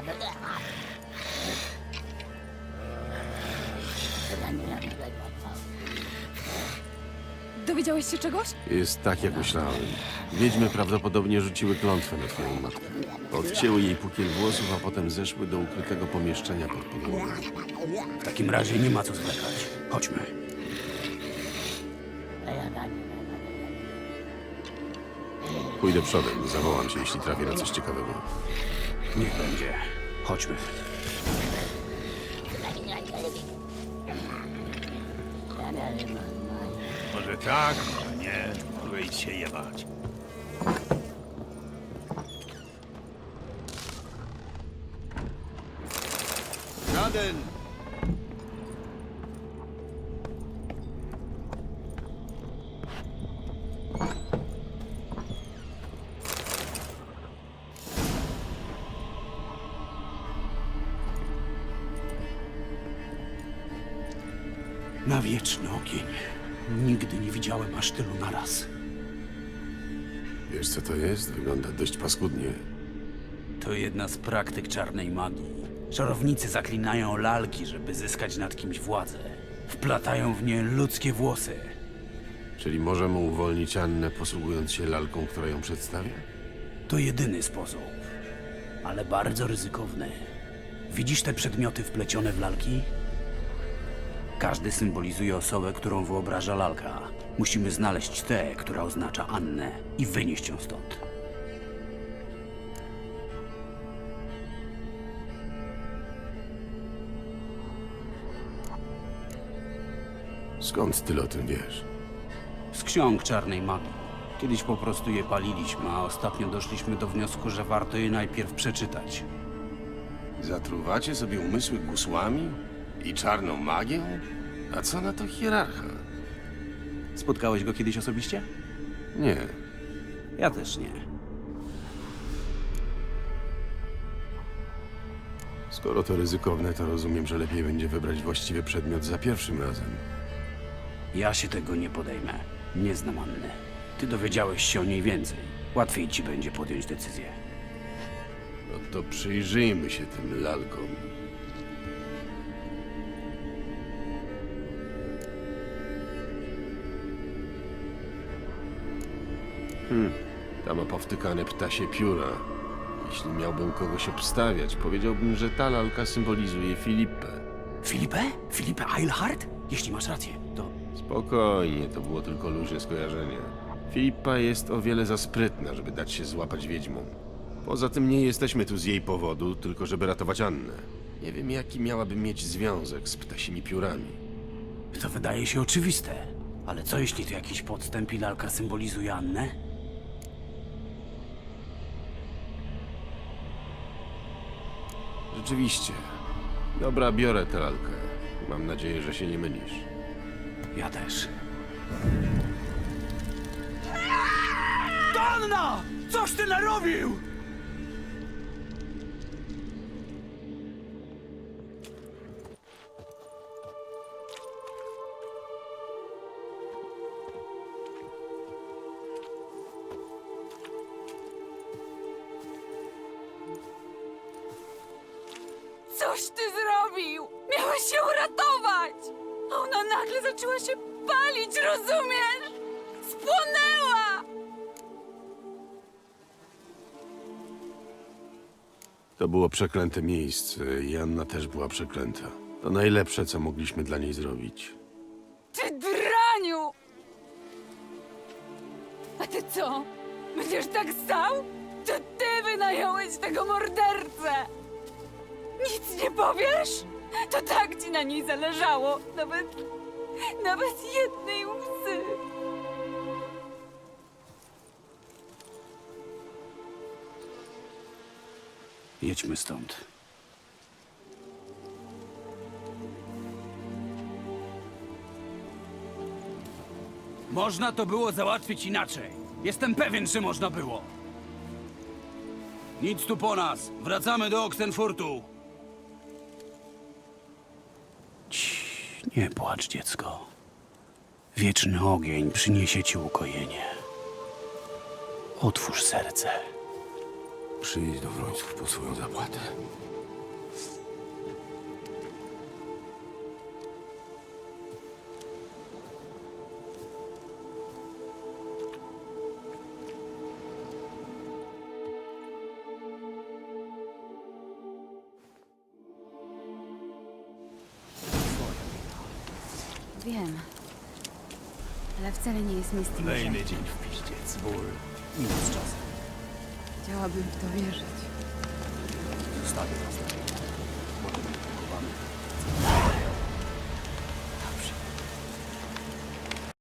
Dowiedziałeś się czegoś? Jest tak, jak myślałem. Wiedźmy prawdopodobnie rzuciły klątwę na twoją matkę. Odcięły jej pukiel włosów, a potem zeszły do ukrytego pomieszczenia pod podłogą. W takim razie nie ma co zwlekać. Chodźmy. Pójdę przodem, zawołam cię, jeśli trafię na coś ciekawego. Niech będzie. Chodźmy. Może tak, a nie. Mogę iść się jebać. Żaden! Na wieczny ogień. Nigdy nie widziałem aż tylu naraz. Wiesz, co to jest? Wygląda dość paskudnie. To jedna z praktyk czarnej magii. Czarownicy zaklinają lalki, żeby zyskać nad kimś władzę. Wplatają w nie ludzkie włosy. Czyli możemy uwolnić Annę, posługując się lalką, która ją przedstawia? To jedyny sposób. Ale bardzo ryzykowny. Widzisz te przedmioty wplecione w lalki? Każdy symbolizuje osobę, którą wyobraża lalka. Musimy znaleźć tę, która oznacza Annę i wynieść ją stąd. Skąd tyle o tym wiesz? Z ksiąg czarnej magii. Kiedyś po prostu je paliliśmy, a ostatnio doszliśmy do wniosku, że warto je najpierw przeczytać. Zatruwacie sobie umysły gusłami i czarną magią? A co na to hierarcha? Spotkałeś go kiedyś osobiście? Nie. Ja też nie. Skoro to ryzykowne, to rozumiem, że lepiej będzie wybrać właściwy przedmiot za pierwszym razem. Ja się tego nie podejmę. Nie znam Anny. Ty dowiedziałeś się o niej więcej. Łatwiej ci będzie podjąć decyzję. No to przyjrzyjmy się tym lalkom. Ta ma powtykane ptasie pióra. Jeśli miałbym kogoś obstawiać, powiedziałbym, że ta lalka symbolizuje Filipę. Filipę? Filipę Eilhart? Jeśli masz rację, to... Spokojnie, to było tylko luźne skojarzenie. Filipa jest o wiele za sprytna, żeby dać się złapać wiedźmom. Poza tym nie jesteśmy tu z jej powodu, tylko żeby ratować Annę. Nie wiem, jaki miałaby mieć związek z ptasimi piórami. To wydaje się oczywiste. Ale co jeśli to jakiś podstęp i lalka symbolizuje Annę? Rzeczywiście. Dobra, biorę tę lalkę. Mam nadzieję, że się nie mylisz. Ja też. Anna! Coś ty narobił! Coś ty zrobił! Miałeś się uratować! A ona nagle zaczęła się palić, rozumiesz? Spłonęła! To było przeklęte miejsce i Anna też była przeklęta. To najlepsze, co mogliśmy dla niej zrobić. Ty draniu! A ty co? Będziesz tak stał? To ty wynająłeś tego mordercę! Nic nie powiesz? To tak ci na niej zależało. Nawet jednej łzy. Jedźmy stąd. Można to było załatwić inaczej. Jestem pewien, że można było. Nic tu po nas. Wracamy do Oxenfurtu. Nie płacz, dziecko. Wieczny ogień przyniesie ci ukojenie. Otwórz serce. Przyjdź do Wrońców po swoją zapłatę. Wiem. Ale wcale nie jest mi z tym źle. Kolejny dzień w piździec. Ból. Minut z czasem. Chciałabym w to wierzyć. Zostawię was. Potem pochowamy.